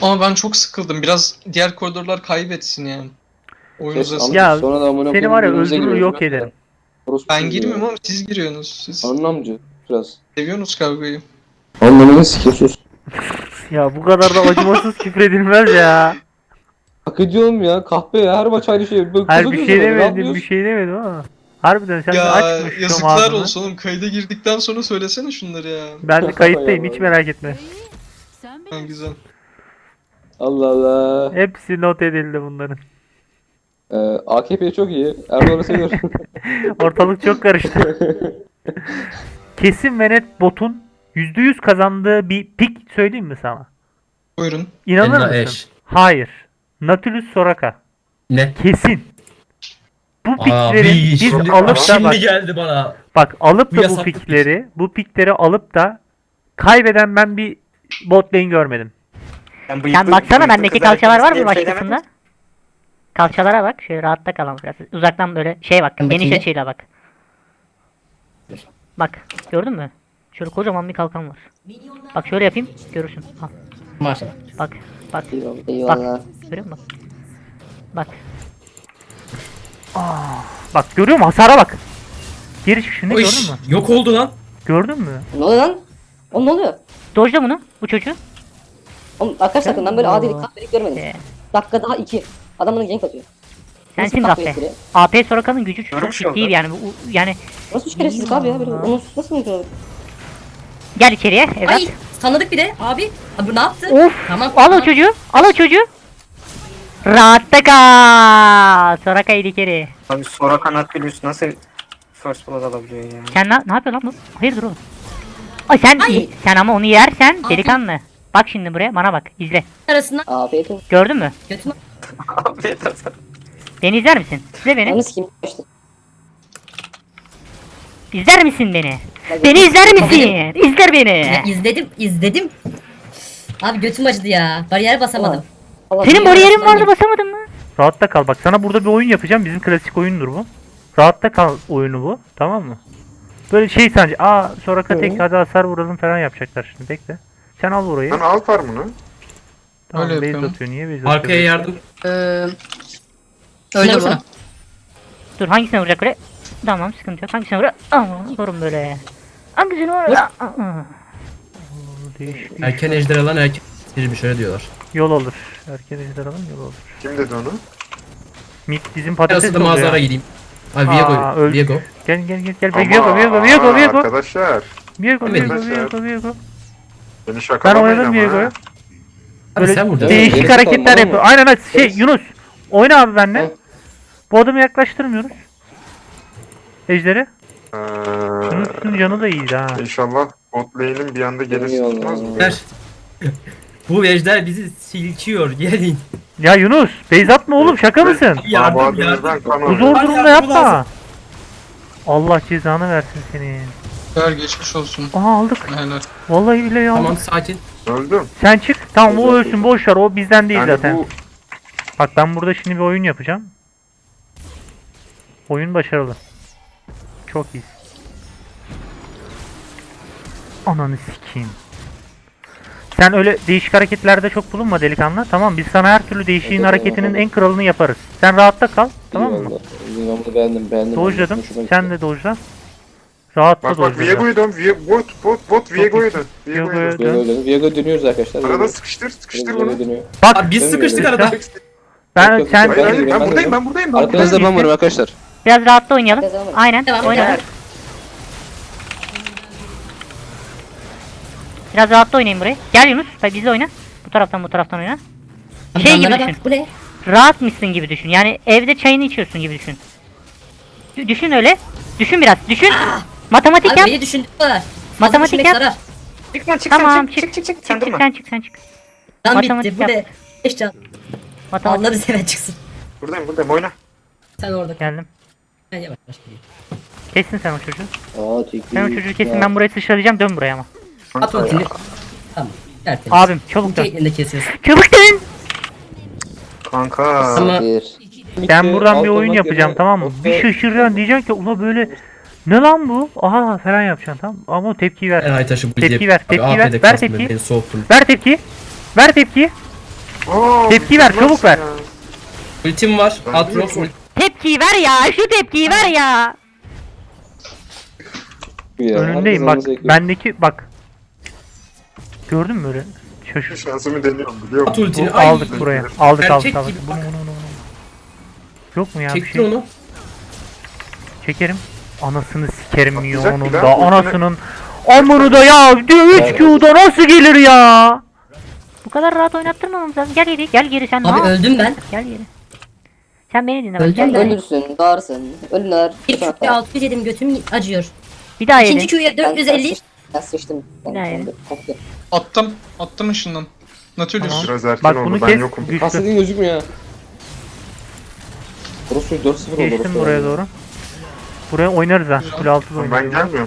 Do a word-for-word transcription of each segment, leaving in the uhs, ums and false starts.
Ama ben çok sıkıldım. Biraz diğer koridorlar kaybetsin yani. Oyun Kes, uzasın. anlat. Ya Sonra da amına seni koyayım, var ya birbirimize öldürür giriyoruz yok ya. ederim. Orospu Ben çocuğu girmiyorum ya. ama siz giriyorsunuz. Siz Anlamcı biraz. seviyorsunuz kavgayı. Anlamını sikiyorsunuz. Ya bu kadar da acımasız küfredilmez ya. Hak ediyorum ya, kahpe ya, her maç aynı şey. Böyle Hayır kuzu bir gözü şey böyle, ne demedim, bir yapıyorsun? şey demedim ama. Harbiden sen de Ya açmış şu yazıklar ağzını. olsun oğlum. Kayda girdikten sonra söylesene şunları ya. Ben de kayıttayım, hiç Hay merak etme. Sen Ha, bilirsin. güzel. Allah Allah. Hepsi not edildi bunların. Ee, A K P çok iyi. Erdoğan'ı seviyorum. Ortalık çok karıştı. Kesin ve net botun yüzde yüz kazandığı bir pik söyleyeyim mi sana? Buyurun. İnanır Enna mısın? Eş. Hayır. Nautilus Soraka. Ne? Kesin. Bu Abi piklerin biz şimdi, alıp da şimdi bak, geldi bana. bak alıp Bu da bu yasaklı pik. pikleri, bu pikleri alıp da kaybeden ben bir bot lane görmedim. Sen baksana bendeki kalçalar var mı başkasında? Kalçalara bak. Şöyle rahatta kalan biraz. Uzaktan böyle şey bak. Ben Geniş bakayım. açıyla bak. Bak. Gördün mü? Şöyle kocaman bir kalkan var. Bak şöyle yapayım. Görürsün. Al. Maşallah. Bak. Bak. Eyvallah. Bak. Görüyor musun? Bak. Bak görüyor musun? Hasara bak. Geri çıkışını Oy, gördün mü? yok oldu lan. Gördün mü? Ne oluyor lan? Oğlum ne oluyor? Dojla bunu. Bu çocuğu. Oğlum arkadaşlar ben böyle adilik kahvelik görmedim. Ee, Dakika daha iki. Adam bana gank atıyor. sensin Nasıl Gaffe. kahvelik biri? A P Soraka'nın gücü çok ciddi yani. Bu, yani Nasıl üç keresizlik abi ya? Böyle, onu nasıl mümkün olur? gel içeriye evlat. Ay tanıdık bir de abi. Abi ne yaptı? Of. Tamam. Al o tamam. çocuğu. Al o çocuğu. Rahatta kal. Soraka ilikeri. Abi Soraka Nautilus nasıl first blood alabiliyor ya? Sen ne, ne yapıyorsun lan bu? Hayırdır oğlum? Ay sen Ay. sen ama onu yersen Abi. delikanlı. Bak şimdi buraya bana bak izle. Arasından Afiyet olsun. Gördün mü? götüme. Afiyet olsun. Beni izler misin? İzle beni. Yalnız kim işte. İzler misin beni? Beni izler misin? İzler beni. Ya, izledim izledim. Abi götüm acıdı ya. Bariyer basamadım. Allah Senin Allah. bariyerin vardı basamadın mı? Rahatta kal. Bak sana burada bir oyun yapacağım. Bizim klasik oyundur bu. Rahatta kal oyunu bu. Tamam mı? Böyle şey sence. Aa Soraka tek hadi hasar vuralım falan yapacaklar şimdi. Bekle. Sen al burayı. Lan al farmını. Tamam Öyle base yapıyorum. atıyor. Niye base atıyor? Arkaya yardım. Ee, Öyle şuna bu. vursana. Dur hangisine vuracak buraya? Tamam sıkıntı yok. Hangisine vuracak? Aman vurun böyle. Hangisine vuracak? Değiş, değiş. Erken ejder alan erken bir şöyle diyorlar. Yol olur. Erken ejder alın yol olur. Kim dedi onu? Mid bizim patates Arası da oluyor. mağazara gideyim. Abi Aa, Viego. öldük. Viego. Gel gel gel gel. Ama Viego Viego Viego aa, Viego. Arkadaşlar Viego Hemen. Viego Viego Viego. beni Ben şakalamayın oynadım ama Viego'yu. ha. Abi Böyle sen burada. değişik Evet, hareketler tamam, yapıyor. tamam. Aynen aynen. Şey Evet. Yunus. Oyna abi benimle. Evet. Bu adamı yaklaştırmıyoruz. Ejderi. Ee, Yunus'un canı da iyiydi ha. İnşallah bot lane'in bir anda gelirse Eyvallah. tutmaz mı? Ver. Bu ejder bizi silkiyor. Gelin. Ya Yunus. Beyz atma oğlum şaka mısın? Yardım, Abi yardım. ben kan Bu alıyorum. zor Hadi durumda yardım yapma. lazım. Allah cezanı versin seni. Ver geçmiş olsun. Aha aldık. Helal. Vallahi bile ya. Tamam sakin. Öldüm. Sen çık. Tamam o ölsün boş ver. O bizden değil Yani zaten. bu Bak ben burada şimdi bir oyun yapacağım. Oyun başarılı. Çok iyi. Ananı sikeyim. Sen öyle değişik hareketlerde çok bulunma delikanlı. Tamam biz sana her türlü değişiğin Evet, hareketinin tamam. en kralını yaparız. Sen rahatta kal. Tamam mı? Eyvallah. Ben bunu beğendim beğendim. Dojladım. Hoşuma gitti. Sen de dojla. Rahatla bak bak dojla. Viego'yu dön. Vie- Bot bot bot Viego'yu dön. Viego'yu Viego'yu dön. dön. Viego dönüyor. Viego dönüyoruz arkadaşlar. Arada Viego. sıkıştır sıkıştır Viego bunu. dönüyor. Bak Abi biz Dönmüyor, sıkıştık dönmüyor. arada. ben Yok, yok, sen Hayır hayır Ben ben de buradayım ben buradayım ben buradayım. Arkanızda ben varım arkadaşlar. Biraz rahatta oynayalım. Biraz devam edelim. Aynen. Devam, Oyna. devam. Biraz rahatta oynayın burayı. Gel Yunus. Bak bizle oyna. Bu taraftan bu taraftan oyna. Abi Şey gibi canlara düşün. bak, bu ne? Rahat mısın gibi düşün. Yani evde çayını içiyorsun gibi düşün. D- düşün öyle. Düşün biraz. Düşün. Matematik Abi yap. beni düşündük kadar. Matematik Düşünmek yap. zarar. Çık lan çık Tamam sen çık. çık çık çık çık. Çık, Sen çık, durma. sen çık sen çık. Can Matematik bitti bu yap. ne? Beş can. Matematik. Anladı seven çıksın. Buradayım buradayım oyna. Sen orada. geldim. Ben yavaş yavaş gideyim. Kesin sen o çocuğu. Aa teşekkür Sen o çocuğu kesin ben burayı sıçralayacağım dön buraya ama. At ultini. Tamam. Tertemiz. Abim çabuk dön. Caitlyn'i de kesiyorsun. Çabuk dön. Kanka. Ama Ben buradan bir oyun yapacağım tamam mı? Bir şaşıracaksın diyeceksin ki ula böyle ne lan bu? Aha falan yapacaksın tamam ama tepki ver. En Aytaş'ı bu Tepki izleyip- ver, Abi tepki A P ver, de ver kastım tepki. beni soğuttun. Ver tepki. Ver tepki. Aa, Tepki ver, mükemmel çabuk ver. ya. Ultim var. Ben Aatrox biliyorum. ulti. Tepkiyi ver ya. Şu tepkiyi ver ya. Ya, Önündeyim herkes bak. alması gerekiyor. Bendeki bak. Gördün mü öyle? Şaşır. Şansımı deniyorum biliyor At musun? ultini. Bu Ay. aldık buraya. Aldık aldık Erkek aldık. gibi Bunu, bak. bunu, bunu, bunu. Yok mu ya bir Çektir şey? onu. Çekerim. Anasını sikerim Atlayacak ya onun bir da. daha. Anasının. Amını da ya. üç Q'da nasıl gelir ya? Bu kadar rahat oynattırmamamız lazım. Gel geri. Gel geri sen. Abi ne öldüm ben. Gel geri. Sen beni dinle bak. Öldüm Gel ben. geri. Ölürsün, bağırsın, ölürler. Bir Q'ya altı yüz yedim götüm acıyor. Bir daha İkinci yedin. Q'ya dört yüz elli. Ben sıçtım. Ben Ne? sıçtım. Koptu. Attım. Attım ışından. Nautilus. Tamam. Biraz erken Bak oldu bunu ben kes. yokum. Güçlü. Hasredin gözükmüyor ya. Burası dört sıfır oldu. Geçtim orası. buraya doğru. Buraya oynarız ha. Kule altı da Ben oynarız. gelmiyorum.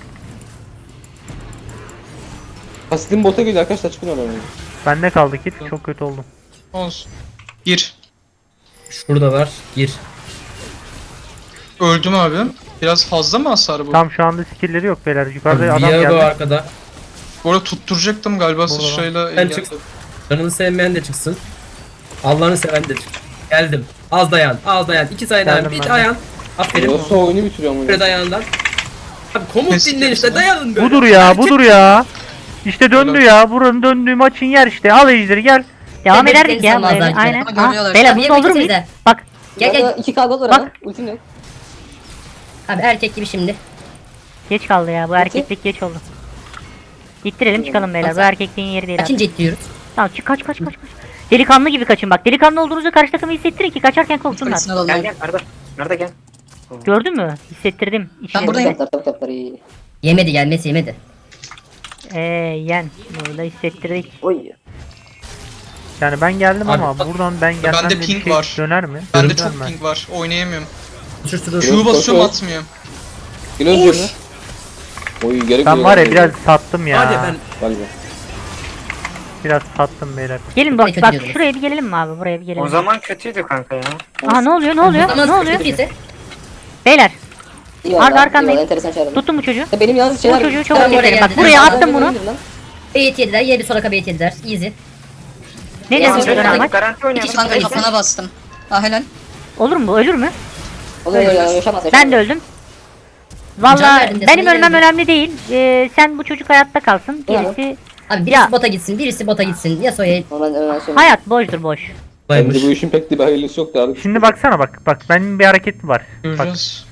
Hasredin bota geliyor arkadaşlar çıkın oradan. Bende kaldı kit. Çok kötü oldum. Olsun. Gir. Şurada var. Gir. Öldüm abi. Biraz fazla mı hasar bu? Tam şu anda skill'leri yok beyler. Yukarıda adam Viego geldi. arkada. Bu arada tutturacaktım galiba Burada. sıçrayla. Sen engelledim. çık. Canını sevmeyen de çıksın. Allah'ını seven de çık. Geldim. Az dayan. Az dayan. İki sayı dayan. Geldim Bir ben de. dayan. Aferin. Nasıl oyunu bitiriyor ama. Bir dayandan. Abi komut Kesin dinleyin işte. kesin. Dayanın böyle. Budur ya, Erkek- budur ya. İşte döndü ya. Buranın döndüğü maçın yer işte. Al ejderi gel. Devam Bebek ederdik ya. insanlar Buraya. zaten. Aynen. Ama Ha, görüyorlar. beyler Abi bunu yemek olur muyuz? yesenize. Bak. Gel gel. iki K gol var Bak. ama. Ultim yok. Abi erkek gibi şimdi. Geç kaldı ya. Bu erkeklik geç oldu. İttirelim çıkalım beyler. Bu erkekliğin yeri değil abi. Kaçıncı ittiriyoruz? Tamam çık kaç kaç kaç kaç. Delikanlı gibi kaçın bak. Delikanlı olduğunuzu karşı takımı hissettirin ki kaçarken korksunlar. Gel gel Arda. Arda gel. Gördün mü? Hissettirdim. İçine. Buradayım. Tap tap tap iyi. Yemedi gelmesi yemedi. Eee yen. Burada hissettirdik. Oy. Yani ben geldim Abi ama bak- buradan ben gelmem Bende de bir ping şey var. döner mi? Bende Dönmez çok mi? ping var. Oynayamıyorum. Şurada. Q basıyorum koş. atmıyor. Geliyoruz üzerine. Oy gerek Ben yok. var ya biraz sattım ya. Hadi ben. Galiba. Biraz sattım beyler. Gelin Ne bak kötü bak diyordunuz. şuraya bir gelelim mi abi? Buraya bir O gelelim. zaman kötüydü kanka ya. Aha ne oluyor ne oluyor? Ama Ne oluyor? ise Beyler İyi Arda valla, arkandayım. iyi valla, enteresan çağırdım. tutun bu çocuğu. Ya benim yalnız Bu şeyler... çocuğu çok Tamam, oraya keselim. Bak geldim. buraya Tamam, attım bunu. Lan. beyit yediler. Yedi bir sonraka beyit yediler. Easy. Ne Ya, diyorsun şöyle dönem bak- maç? Garanti oynayalım. Kanka Neyse. kafana bastım. Ah helal. Olur mu bu? Ölür mü? Oluyor ya yaşamaz yaşamaz. Ben de öldüm. Can Valla verdim de benim sana ölmem geldim. önemli değil. Ee, sen bu çocuk hayatta kalsın. Ya. Gerisi Abi birisi Ya. bota gitsin. Birisi bota gitsin. Yasuo'ya Ama ben önemli söyleyeyim. hayat boştur boş. Bence bu işin pek de bir hayırlısı yoktu abi. Şimdi baksana bak. Bak benim bir hareketim var. Bak Göreceğiz.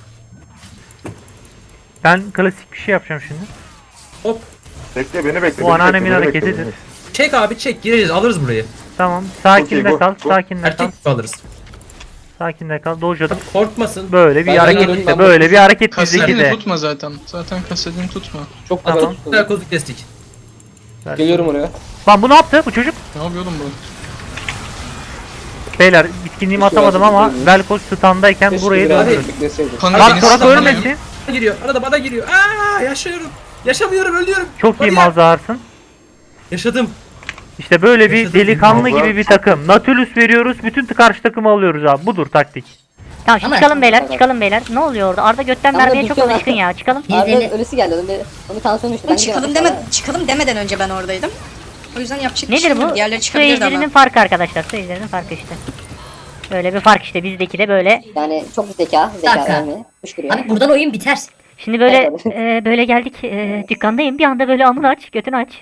ben klasik bir şey yapacağım şimdi. Bekle beni bekle. Bu beni anneannemin bekle, beni hareketidir. bekle. Çek abi çek. Gireriz. Alırız burayı. Tamam. Sakinde Okey, go, kal. go. Sakinde kal. Erkek gibi alırız. Sakinde kal. Dojadım. Korkmasın. Böyle bir Ben hareket geliyorum, işte. ben Böyle bakayım. bir hareket bizdeki Kasedini de. tutma zaten. Zaten kasedini tutma. Çok Tamam. tamam. Güzel kozuk kestik. Geliyorum oraya. Lan bu ne yaptı bu çocuk? Ne yapıyordum bu? Beyler bitkinliğimi Keşke atamadım versin, ama değil mi? Velkos standayken Keşke burayı biraz döndürün. bekleseydim. Kanka Lan beni Torak stunlanıyor. ölmesin. Bana giriyor. Arada bana giriyor. Aa yaşıyorum. Yaşamıyorum ölüyorum. Çok iyi Bariyer. malzarsın. Yaşadım. İşte böyle bir Yaşadım. delikanlı Malzar gibi bir çok- takım. Nautilus veriyoruz. Bütün karşı takımı alıyoruz abi. Budur taktik. Tamam şimdi Ama- çıkalım beyler çıkalım beyler. Ne oluyor orada? Arda götten Ama vermeye çok bitiyor alışkın lan. ya. Çıkalım. Arda Yüzde- ölüsü geldi. Onun bir, onun tansiyonu düştü. Ben Çıkalım gidemem. deme çıkalım demeden önce ben oradaydım. O yüzden yapacak bir Nedir şey bu? yok. Diğerleri Su çıkabilirdi ejderinin ama. farkı arkadaşlar. Su ejderinin farkı işte. Böyle bir fark işte bizdeki de böyle. Yani çok zeka. Zeka Dakika. vermiyor. Fışkırıyor. Abi buradan oyun biter. Şimdi böyle Evet. e, böyle geldik e, dükkandayım bir anda böyle amını aç götünü aç.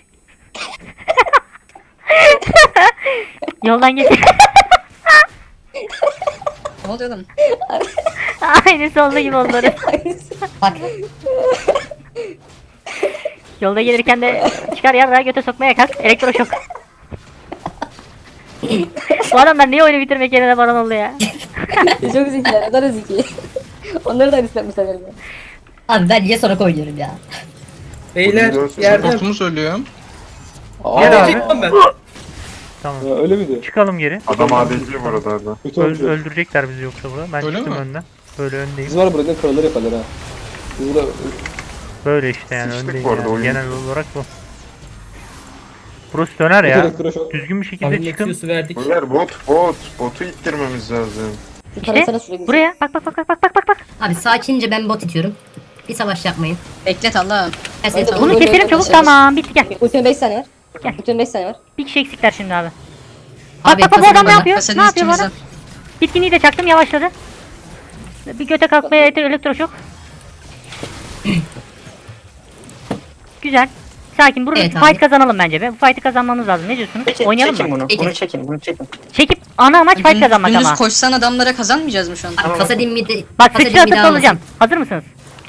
Yoldan geç. Ne oluyor lan? Aynısı oldu gibi onları. Bak. Yolda gelirken de çıkar yarrağı göte sokmaya kalk. Elektroşok. Bu adamlar niye oyunu bitirmek yerine baron oldu ya? Çok zekiler. Onlar da zeki. Onları da aynısı yapmışlar galiba. Abi ben niye sonra oynuyorum ya? Beyler Buyurun, yerden. Korkumuz ölüyor. Aa, Gel abi. Çekmem ben. Tamam. ya öyle miydi? Çıkalım geri. Adam A D C bu arada Arda. Kötü Öl- olmuş. öldürecekler bizi yoksa burada. Ben Öyle çıktım mi? önden. Böyle öndeyim. Biz var burada kraları yaparlar ha. Biz burada Böyle işte yani Sıçtık öndeyim bu arada yani. oyun. Genel olarak bu. Burası döner ya. Öteki kıra çok- Düzgün bir şekilde Abi çıkın. Nexus'u verdik. Beyler bot bot. Botu ittirmemiz lazım. Şu İşte taraflara sürekli. buraya bak bak bak bak bak bak bak bak. Abi sakince ben bot itiyorum. Bir savaş yapmayın. Beklet Allah'ım. Ben seni Hadi tanıdım. Bunu keselim çabuk tamam bitti gel. Ultimate beş saniye var. Gel. Ultimate beş saniye var. Bir kişi eksikler şimdi abi. Bak Abi bak bak bu kasadin adam ne bana. yapıyor? Kasadin Ne yapıyor bana? içimizde. Bitkinliği de çaktım yavaşladı. Bir göte kalkmaya yeter elektroşok. Güzel. Sakin. Burada Evet bir abi. fight kazanalım bence be. Bu fight'ı kazanmamız lazım. Ne diyorsunuz? Çekin, Oynayalım çekin mı? bunu. Çekin. Bunu çekin. Bunu çekin. Çekip ana amaç fight Düm- kazanmak Dümdüz ama. koşsan adamlara kazanmayacağız mı şu an? Abi kasadin midi. Bak kasadin sıçra midi atıp almasın. alacağım. Hazır mısınız?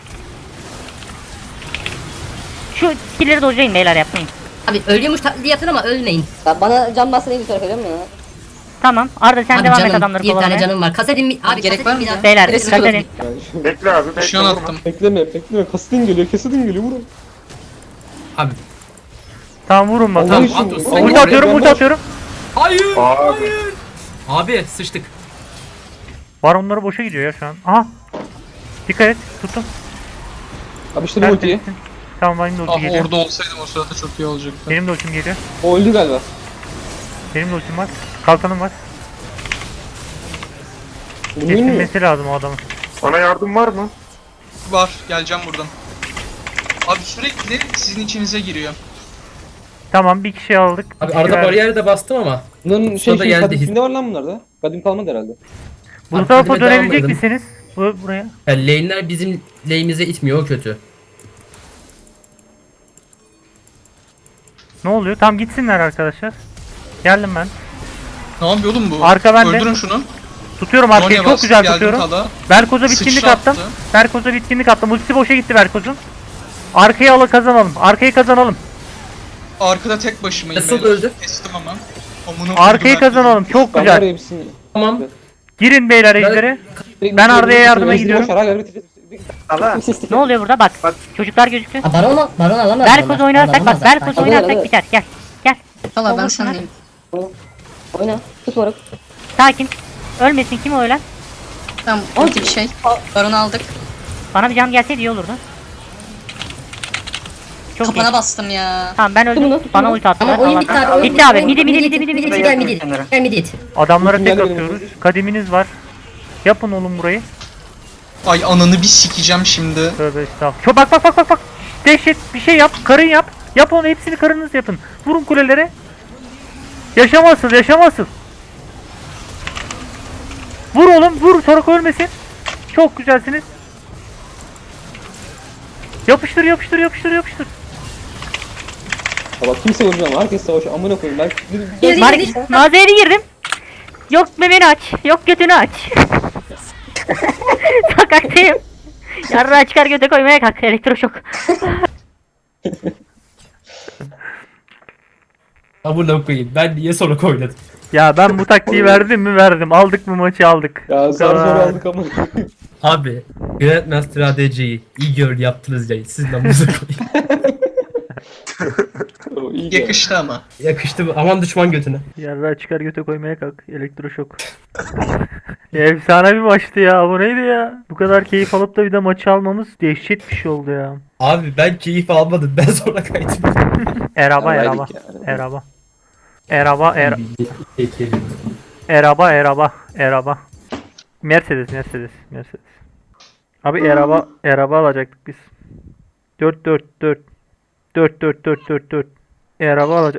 Şu skill'leri dojlayın beyler yapmayın. Abi ölüyormuş taklidi yapın ama ölmeyin. Ya bana can basın iyi bir tarafa biliyor musun ya? Tamam. Arda sen Abi devam et canım, adamları bir tane kovalamaya. canım var. Kasadin mi? Abi gerek var kasadin mı midi. ya? Beyler Neresi dikkat edin. Yani Bekle abi bekle. Şu an vurma. attım. bekleme bekleme. Kasidin geliyor kesidin geliyor vurun. Abi. Tamam vurun Allah bakalım. için. at olsun. Allah Ulti için. atıyorum, ulti atıyorum. Hayır. Abi. Hayır. Abi sıçtık. Baronları boşa gidiyor ya şu an. Aha. Dikkat et. Tuttum. Abi işte bu ultiyi. Tamam benim de ulti Ah geliyor. orada olsaydım o sırada çok iyi olacaktı. Benim de ultim geliyor. O öldü galiba. Benim de ultim var. Kalkanım var. Vurayım mı? Kesilmesi lazım o adamın. Sana yardım var mı? Var, geleceğim buradan. Abi sürekli sizin içinize giriyor. Tamam bir kişi aldık. bir Abi kişi arada verdik. bariyeri de bastım ama. Bunların şey Sonra şey geldi kadim his- kimde var lan bunlarda? Kadim kalmadı herhalde. Bu Abi, tarafa kadime devam dönebilecek edelim. misiniz? Bu, buraya. Yani lane'ler bizim lane'imize itmiyor o kötü. Ne oluyor? Tam gitsinler arkadaşlar. Geldim ben. Ne yapıyor oğlum bu? Arka bende. Öldürün şunu. Tutuyorum arkayı Zonya çok bastı, güzel geldim tutuyorum. tala. Berkoz'a bitkinlik Sıçra attım. attı. Berkoz'a bitkinlik attım. Ultisi boşa gitti Berkoz'un. Arkayı ala kazanalım. Arkayı kazanalım. Arkada tek başımayım. Nasıl beyler. öldü? Kestim ama. Amına Arkayı koydum kazanalım. Çok Ben var güzel. ya hepsini. Tamam. Girin beyler ejderi. Ben Arda'ya yardıma gidiyorum. Allah. Ne oluyor burada? Bak. Bak. Çocuklar gözüktü. Ha, baron, baron alamaz. Berkoz oynarsak bak. Berkoz Hadi, oynarsak hadi. biter. Gel. Gel. Valla ben Olur, sendeyim. Oyna. Tut moruk. Sakin. Ölmesin kim o ölen? Tamam ulti bir şey. Baron'u aldık. Bana bir can gelseydi iyi olurdu. Çok iyi. Kapana bastım ya. Tamam ben öldüm. Bunu, Bana bunu. ulti attılar. Ama oyun bitti abi. oyun Bitti abi. oyun Midi midi bitti, midi midi midi. midi. Gel midi it. Gel midi it. Adamlara tek Geldi benim atıyoruz. Kadiminiz var. Yapın oğlum burayı. Ay ananı bir sikeceğim şimdi. Tövbe estağfurullah. Şu bak bak bak bak bak. Dehşet bir şey yap. Karın yap. Yap onu hepsini karınız yapın. Vurun kulelere. Yaşamasın yaşamasın. Vur oğlum vur sonra ölmesin. Çok güzelsiniz. Yapıştır yapıştır yapıştır yapıştır. Ya bak kimse vurmuyor. Herkes savaşıyor. Amına koyayım ben. Gel, Var, gel, gel. mağazaya girdim. Yok memeni aç. Yok götünü aç. Sokaktayım. Yarrağı çıkar göte koymaya kalk. Elektroşok. Amına koyayım. Ben niye sonra oynadım? Ya ben bu taktiği verdim mi verdim. Aldık mı maçı aldık. Ya Bu zar zor kadar. aldık ama. Abi. Grandmaster A D C'yi iyi gör yaptınız ya. Sizin amınıza koyayım. O iyi ya. Yakıştı ama. Yakıştı mı? Aman düşman götüne. Yarrağı çıkar göte koymaya kalk. Elektroşok. Efsane bir maçtı ya. Bu neydi ya? Bu kadar keyif alıp da bir de maçı almamız dehşet bir şey oldu ya. Abi ben keyif almadım. Ben sonra kaydım. Eraba Ya, eraba. verdik ya. Eraba. Eraba er Peki. eraba eraba eraba. Mercedes Mercedes Mercedes. Abi eraba eraba alacaktık biz. dört dört dört. dört dört dört dört dört. Araba alacak.